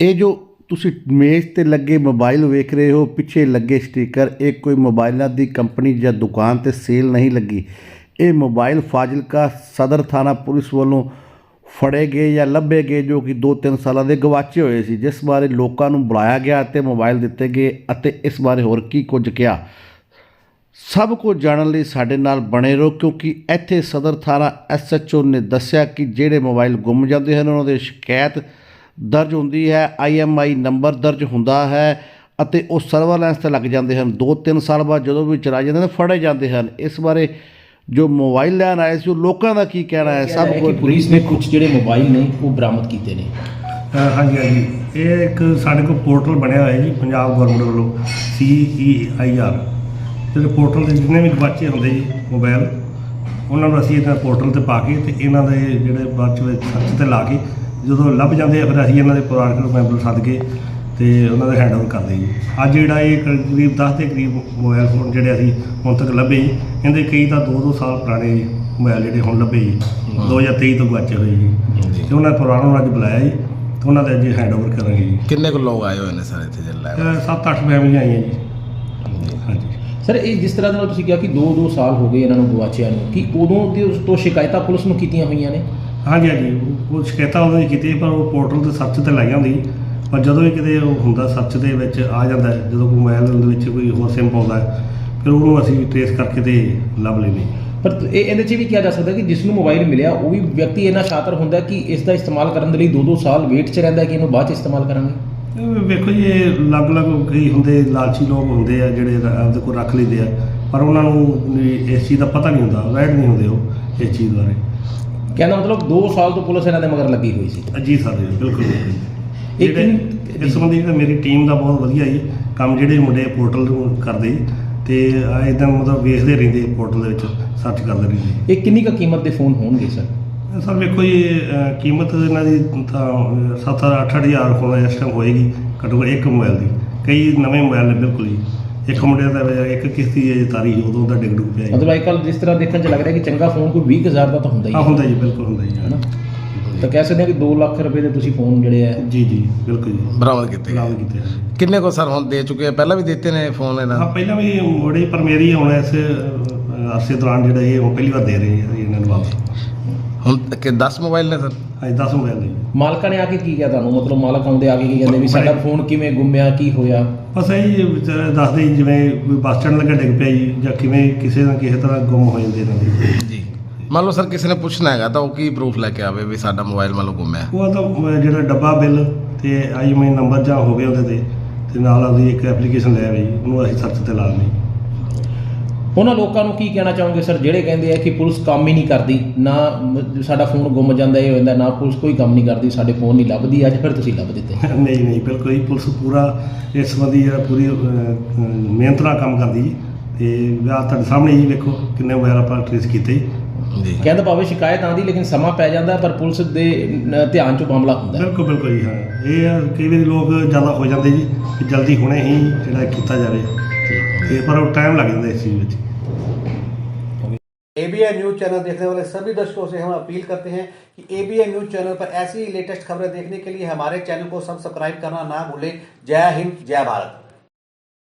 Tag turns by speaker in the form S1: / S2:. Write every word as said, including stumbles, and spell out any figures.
S1: ਇਹ ਜੋ ਤੁਸੀਂ ਮੇਜ਼ ਤੇ ਲੱਗੇ ਮੋਬਾਈਲ ਵੇਖ ਰਹੇ ਹੋ, ਪਿੱਛੇ ਲੱਗੇ ਸਟicker, ਇਹ ਕੋਈ ਮੋਬਾਈਲਾਂ ਦੀ ਕੰਪਨੀ ਜਾਂ ਦੁਕਾਨ ਤੇ ਸੇਲ ਨਹੀਂ ਲੱਗੀ। ਇਹ ਮੋਬਾਈਲ ਫਾਜ਼ਿਲਕਾ ਸਦਰ ਥਾਣਾ ਪੁਲਿਸ ਵੱਲੋਂ ਫੜੇ ਗਏ ਜਾਂ ਲੱਭੇ ਗਏ, ਜੋ ਕਿ ਦੋ ਤਿੰਨ ਸਾਲਾਂ ਦੇ ਗਵਾਚੇ ਹੋਏ ਸੀ, ਜਿਸ ਬਾਰੇ ਲੋਕਾਂ ਨੂੰ ਬੁਲਾਇਆ ਗਿਆ ਅਤੇ ਮੋਬਾਈਲ ਦਿੱਤੇ ਗਏ ਅਤੇ ਇਸ ਬਾਰੇ ਹੋਰ ਕੀ ਕੁਝ ਕਿਹਾ, ਸਭ ਕੁਝ ਜਾਣਨ ਲਈ ਸਾਡੇ ਨਾਲ ਬਣੇ ਰਹੋ, ਕਿਉਂਕਿ ਇੱਥੇ ਸਦਰ ਥਾਣਾ ਐਸ ਐਚ ਓ ਨੇ ਦੱਸਿਆ ਕਿ ਜਿਹੜੇ ਮੋਬਾਈਲ ਗੁੰਮ ਜਾਂਦੇ ਹਨ ਉਹਨਾਂ ਦੀ ਸ਼ਿਕਾਇਤ ਦਰਜ ਹੁੰਦੀ ਹੈ, ਆਈ ਐਮ ਆਈ ਨੰਬਰ ਦਰਜ ਹੁੰਦਾ ਹੈ ਅਤੇ ਉਹ ਸਰਵਰਲੈਂਸ 'ਤੇ ਲੱਗ ਜਾਂਦੇ ਹਨ। ਦੋ ਤਿੰਨ ਸਾਲ ਬਾਅਦ ਜਦੋਂ ਵੀ ਚਲਾਏ ਜਾਂਦੇ ਨੇ ਫੜੇ ਜਾਂਦੇ ਹਨ। ਇਸ ਬਾਰੇ ਜੋ ਮੋਬਾਈਲ ਲੈਣ ਆਏ ਸੀ ਉਹ ਲੋਕਾਂ ਦਾ ਕੀ ਕਹਿਣਾ ਹੈ, ਸਭ ਕੁਝ
S2: ਪੁਲਿਸ ਨੇ ਕੁਝ ਜਿਹੜੇ ਮੋਬਾਈਲ ਨੇ ਉਹ ਬਰਾਮਦ ਕੀਤੇ ਨੇ।
S3: ਹਾਂਜੀ ਹਾਂਜੀ, ਇਹ ਇੱਕ ਸਾਡੇ ਕੋਲ ਪੋਰਟਲ ਬਣਿਆ ਹੋਇਆ ਜੀ ਪੰਜਾਬ ਗੌਰਮੈਂਟ ਵੱਲੋਂ, ਸੀ ਈ ਆਈ ਆਰ। ਜਿਹੜੇ ਪੋਰਟਲ 'ਤੇ ਜਿੰਨੇ ਵੀ ਗਵਾਚੇ ਹੁੰਦੇ ਜੀ ਮੋਬਾਈਲ, ਉਹਨਾਂ ਨੂੰ ਅਸੀਂ ਇਹਨਾਂ ਪੋਰਟਲ 'ਤੇ ਪਾ ਕੇ ਅਤੇ ਇਹਨਾਂ ਦੇ ਜਿਹੜੇ ਬਾਅਦ 'ਚ ਸਰਚ 'ਤੇ ਲਾ ਕੇ ਜਦੋਂ ਲੱਭ ਜਾਂਦੇ ਆ ਫਿਰ ਅਸੀਂ ਇਹਨਾਂ ਦੇ ਪਰਿਵਾਰਕ ਮੈਂਬਰ ਸੱਦ ਕੇ ਅਤੇ ਉਹਨਾਂ ਦਾ ਹੈਂਡਓਵਰ ਕਰਦੇ ਜੀ। ਅੱਜ ਜਿਹੜਾ ਇਹ ਕਰੀਬ ਦਸ ਦੇ ਕਰੀਬ ਮੋਬਾਈਲ ਫੋਨ ਜਿਹੜੇ ਅਸੀਂ ਹੁਣ ਤੱਕ ਲੱਭੇ ਜੀ, ਇਹਦੇ ਕਈ ਤਾਂ ਦੋ ਦੋ ਸਾਲ ਪੁਰਾਣੇ ਮੋਬਾਈਲ ਜਿਹੜੇ ਹੁਣ ਲੱਭੇ ਜੀ, ਦੋ ਹਜ਼ਾਰ ਤੇਈ ਤੋਂ ਗਵਾਚੇ ਹੋਏ ਜੀ। ਅਤੇ ਉਹਨਾਂ ਪਰਿਵਾਰਾਂ ਨੂੰ ਅੱਜ ਬੁਲਾਇਆ ਜੀ ਅਤੇ ਉਹਨਾਂ ਦਾ ਅੱਜ ਹੈਂਡਓਵਰ ਕਰਾਂਗੇ ਜੀ।
S4: ਕਿੰਨੇ ਕੁ ਲੋਕ ਆਏ ਹੋਏ ਨੇ ਸਰ ਇੱਥੇ ਜਿਹੜੇ
S3: ਸੱਤ ਅੱਠ ਫੈਮਲੀਆਂ ਆਈਆਂ ਜੀ। ਹਾਂਜੀ
S2: ਸਰ, ਇਹ ਜਿਸ ਤਰ੍ਹਾਂ ਦੇ ਨਾਲ ਤੁਸੀਂ ਕਿਹਾ ਕਿ ਦੋ ਦੋ ਸਾਲ ਹੋ ਗਏ ਇਹਨਾਂ ਨੂੰ ਗਵਾਚਿਆਂ ਨੂੰ, ਕਿ ਉਦੋਂ ਦੇ ਉਸ ਤੋਂ ਸ਼ਿਕਾਇਤਾਂ ਪੁਲਿਸ ਨੂੰ ਕੀਤੀਆਂ ਹੋਈਆਂ ਨੇ?
S3: ਹਾਂਜੀ ਹਾਂਜੀ, ਉਹ ਸ਼ਿਕਾਇਤਾਂ ਉਦੋਂ ਹੀ ਕੀਤੀ, ਪਰ ਉਹ ਪੋਰਟਲ 'ਤੇ ਸਰਚ 'ਤੇ ਲਾਈ ਹੁੰਦੀ, ਪਰ ਜਦੋਂ ਵੀ ਕਿਤੇ ਉਹ ਹੁੰਦਾ ਸਰਚ ਦੇ ਵਿੱਚ ਆ ਜਾਂਦਾ, ਜਦੋਂ ਕੋਈ ਮੋਬਾਈਲ ਦੇ ਵਿੱਚ ਕੋਈ ਹੋਰ ਸਿਮ ਪਾਉਂਦਾ ਫਿਰ ਉਹਨੂੰ ਅਸੀਂ ਟ੍ਰੇਸ ਕਰਕੇ ਤੇ ਲੱਭ ਲੈਂਦੇ।
S2: ਪਰ ਇਹ ਇਹਦੇ 'ਚ ਵੀ ਕਿਹਾ ਜਾ ਸਕਦਾ ਕਿ ਜਿਸ ਨੂੰ ਮੋਬਾਈਲ ਮਿਲਿਆ ਉਹ ਵੀ ਵਿਅਕਤੀ ਇੰਨਾ ਸ਼ਾਤਰ ਹੁੰਦਾ ਕਿ ਇਸ ਦਾ ਇਸਤੇਮਾਲ ਕਰਨ ਦੇ ਲਈ ਦੋ ਦੋ ਸਾਲ ਵੇਟ 'ਚ ਰਹਿੰਦਾ ਕਿ ਇਹਨੂੰ ਬਾਅਦ 'ਚ ਇਸਤੇਮਾਲ ਕਰਾਂਗੇ।
S3: ਇਹ ਵੇਖੋ ਜੀ, ਇਹ ਅਲੱਗ-ਅਲੱਗ ਕਈ ਹੁੰਦੇ ਲਾਲਚੀ ਲੋਕ ਹੁੰਦੇ ਆ ਜਿਹੜੇ ਆਪਦੇ ਕੋਲ ਰੱਖ ਲੈਂਦੇ ਆ, ਪਰ ਉਹਨਾਂ ਨੂੰ ਇਸ ਚੀਜ਼ ਦਾ ਪਤਾ ਨਹੀਂ ਹੁੰਦਾ, ਅਵੇਅਰ ਨਹੀਂ ਹੁੰਦੇ ਉਹ ਇਸ ਚੀਜ਼ ਬਾਰੇ।
S2: ਕਹਿੰਦਾ ਮਤਲਬ ਦੋ ਸਾਲ ਤੋਂ ਪੁਲਿਸ ਇਹਨਾਂ ਦੇ ਮਗਰ ਲੱਗੀ ਹੋਈ ਸੀ।
S3: ਜੀ ਸਰ, ਬਿਲਕੁਲ।
S2: ਇੱਕ
S3: ਇਸ ਸੰਬੰਧੀ ਮੇਰੀ ਟੀਮ ਦਾ ਬਹੁਤ ਵਧੀਆ ਜੀ ਕੰਮ, ਜਿਹੜੇ ਮੁੰਡੇ ਪੋਰਟਲ ਨੂੰ ਕਰਦੇ ਅਤੇ ਇੱਦਾਂ ਮਤਲਬ ਵੇਖਦੇ ਰਹਿੰਦੇ ਪੋਰਟਲ ਦੇ ਵਿੱਚ ਸਰਚ ਕਰਦੇ ਰਹਿੰਦੇ।
S2: ਇਹ ਕਿੰਨੀ ਕੁ ਕੀਮਤ ਦੇ ਫੋਨ ਹੋਣਗੇ ਸਰ?
S3: ਸਰ ਵੇਖੋ ਜੀ, ਕੀਮਤ ਇਹਨਾਂ ਦੀ ਤਾਂ ਸੱਤ ਅੱਠ ਹਜ਼ਾਰ ਫੋਨ ਇਸ ਟਾਈਮ ਹੋਏਗੀ ਘੱਟੋ ਘੱਟ ਇੱਕ ਮੋਬਾਈਲ ਦੀ। ਕਈ ਨਵੇਂ ਮੋਬਾਈਲ ਨੇ ਬਿਲਕੁਲ ਹੀ, ਇੱਕ ਮੁੰਡੇ ਦਾ ਇੱਕ ਕਿਸ਼ਤੀ ਹੈ ਤਾਰੀ ਉਦੋਂ ਦਾ ਡਿੱਗ ਡੁੱਗ ਪਿਆ ਜੀ।
S2: ਮਤਲਬ ਅੱਜ ਕੱਲ੍ਹ ਜਿਸ ਤਰ੍ਹਾਂ ਦੇਖਣ 'ਚ ਲੱਗ ਰਿਹਾ ਕਿ ਚੰਗਾ ਫੋਨ ਕੋਈ ਵੀਹ ਹਜ਼ਾਰ ਦਾ ਤਾਂ ਹੁੰਦਾ ਹੀ
S3: ਹਾਂ ਹੁੰਦਾ ਜੀ, ਬਿਲਕੁਲ ਹੁੰਦਾ ਜੀ, ਹੈ ਨਾ।
S2: ਤਾਂ ਕਹਿ ਸਕਦੇ ਹਾਂ ਕਿ ਦੋ ਲੱਖ ਰੁਪਏ ਦੇ ਤੁਸੀਂ ਫੋਨ ਜਿਹੜੇ ਆ
S3: ਜੀ ਜੀ ਬਿਲਕੁਲ ਜੀ
S4: ਬਰਾਮਦ ਕੀਤੇ
S3: ਬਰਾਮਦ ਕੀਤੇ।
S4: ਕਿੰਨੇ ਕੋ ਸਰ ਹੁਣ ਦੇ ਚੁੱਕੇ ਆ? ਪਹਿਲਾਂ ਵੀ ਦਿੱਤੇ ਨੇ ਫੋਨ ਇਹਨਾਂ?
S3: ਹਾਂ ਪਹਿਲਾਂ ਵੀ ਮੁੜੇ, ਪਰ ਮੇਰੀ ਹੁਣ ਇਸ ਅਰਸੇ ਦੌਰਾਨ ਜਿਹੜਾ ਇਹ ਉਹ ਪਹਿਲੀ ਵਾਰ ਦੇ ਰਹੇ ਆ ਇਹਨਾਂ ਨੂੰ ਵਾਪਸ।
S4: ਹੁਣ ਕਿ ਦਸ ਮੋਬਾਈਲ ਨੇ ਸਰ?
S3: ਹਾਂਜੀ ਦਸ ਮੋਬਾਈਲ ਨੇ।
S2: ਮਾਲਕਾਂ ਨੇ ਆ ਕੇ ਕੀ ਕਿਹਾ ਤੁਹਾਨੂੰ? ਮਤਲਬ ਮਾਲਕ ਆਉਂਦੇ ਆ ਕੇ ਕੀ ਕਹਿੰਦੇ ਵੀ ਸਾਡਾ ਫੋਨ ਕਿਵੇਂ ਗੁੰਮਿਆ, ਕੀ ਹੋਇਆ?
S3: ਬਸ ਇਹ ਵਿਚਾਰੇ ਦੱਸਦੇ ਜੀ, ਜਿਵੇਂ ਕੋਈ ਬੱਸ ਸਟੈਂਡ ਲੱਗਾ ਡਿੱਗ ਪਿਆ ਜੀ, ਜਾਂ ਕਿਵੇਂ ਕਿਸੇ ਨਾ ਕਿਸੇ ਤਰ੍ਹਾਂ ਗੁੰਮ ਹੋ ਜਾਂਦੇ ਇਹਨਾਂ ਦੇ
S4: ਜੀ। ਮੰਨ ਲਓ ਸਰ ਕਿਸੇ ਨੇ ਪੁੱਛਣਾ ਹੈਗਾ ਤਾਂ ਉਹ ਕੀ ਪ੍ਰੂਫ ਲੈ ਕੇ ਆਵੇ ਵੀ ਸਾਡਾ ਮੋਬਾਈਲ ਮੰਨ ਲਓ ਗੁੰਮਿਆ?
S3: ਉਹ ਤਾਂ ਜਿਹੜਾ ਡੱਬਾ ਬਿੱਲ ਅਤੇ ਆਈ ਐਮ ਆਈ ਨੰਬਰ ਜਾਂ ਹੋਵੇ ਉਹਦੇ 'ਤੇ ਅਤੇ ਨਾਲ ਉਹਦੀ ਇੱਕ ਐਪਲੀਕੇਸ਼ਨ ਲੈ ਆਵੇ ਜੀ, ਉਹਨੂੰ ਅਸੀਂ ਸਰਚ 'ਤੇ ਲਾ ਦਿੰਦੇ।
S2: ਉਹਨਾਂ ਲੋਕਾਂ ਨੂੰ ਕੀ ਕਹਿਣਾ ਚਾਹੋਗੇ ਸਰ ਜਿਹੜੇ ਕਹਿੰਦੇ ਆ ਕਿ ਪੁਲਿਸ ਕੰਮ ਹੀ ਨਹੀਂ ਕਰਦੀ, ਨਾ ਸਾਡਾ ਫੋਨ ਗੁੰਮ ਜਾਂਦਾ ਇਹ ਹੋ ਜਾਂਦਾ, ਨਾ ਪੁਲਿਸ ਕੋਈ ਕੰਮ ਨਹੀਂ ਕਰਦੀ, ਸਾਡੇ ਫੋਨ ਨਹੀਂ ਲੱਭਦੀ, ਅੱਜ ਫਿਰ ਤੁਸੀਂ ਲੱਭ ਦਿੱਤੇ?
S3: ਨਹੀਂ ਨਹੀਂ, ਬਿਲਕੁਲ ਹੀ ਪੁਲਿਸ ਪੂਰਾ ਇਸ ਸੰਬੰਧੀ ਜਿਹੜਾ ਪੂਰੀ ਮਿਹਨਤ ਨਾਲ ਕੰਮ ਕਰਦੀ ਜੀ। ਅਤੇ ਵਿਆਹ ਤੁਹਾਡੇ ਸਾਹਮਣੇ ਜੀ ਵੇਖੋ ਕਿੰਨੇ ਮੋਬਾਈਲ ਆਪਾਂ ਟ੍ਰੇਸ ਕੀਤੇ
S4: ਜੀ।
S2: ਕਹਿੰਦਾ ਭਾਵੇਂ ਸ਼ਿਕਾਇਤ ਆਉਂਦੀ ਲੇਕਿਨ ਸਮਾਂ ਪੈ ਜਾਂਦਾ, ਪਰ ਪੁਲਿਸ ਦੇ ਧਿਆਨ 'ਚ ਮਾਮਲਾ ਹੁੰਦਾ।
S3: ਬਿਲਕੁਲ ਬਿਲਕੁਲ ਜੀ। ਹਾਂ, ਇਹ ਆ ਕਈ ਵਾਰੀ ਲੋਕ ਜ਼ਿਆਦਾ ਹੋ ਜਾਂਦੇ ਜੀ ਕਿ ਜਲਦੀ ਹੁਣੇ ਹੀ ਜਿਹੜਾ ਕੀਤਾ ਜਾਵੇ, ਤੇ ਪਰ ਉਹ टाइम लग जाता है इस चीज़ में।
S1: A B N news channel देखने वाले सभी दर्शकों से हम अपील करते हैं कि A B N news channel पर ऐसी लेटेस्ट खबरें देखने के लिए हमारे चैनल को सब्सक्राइब करना ना भूलें। जय हिंद, जय भारत।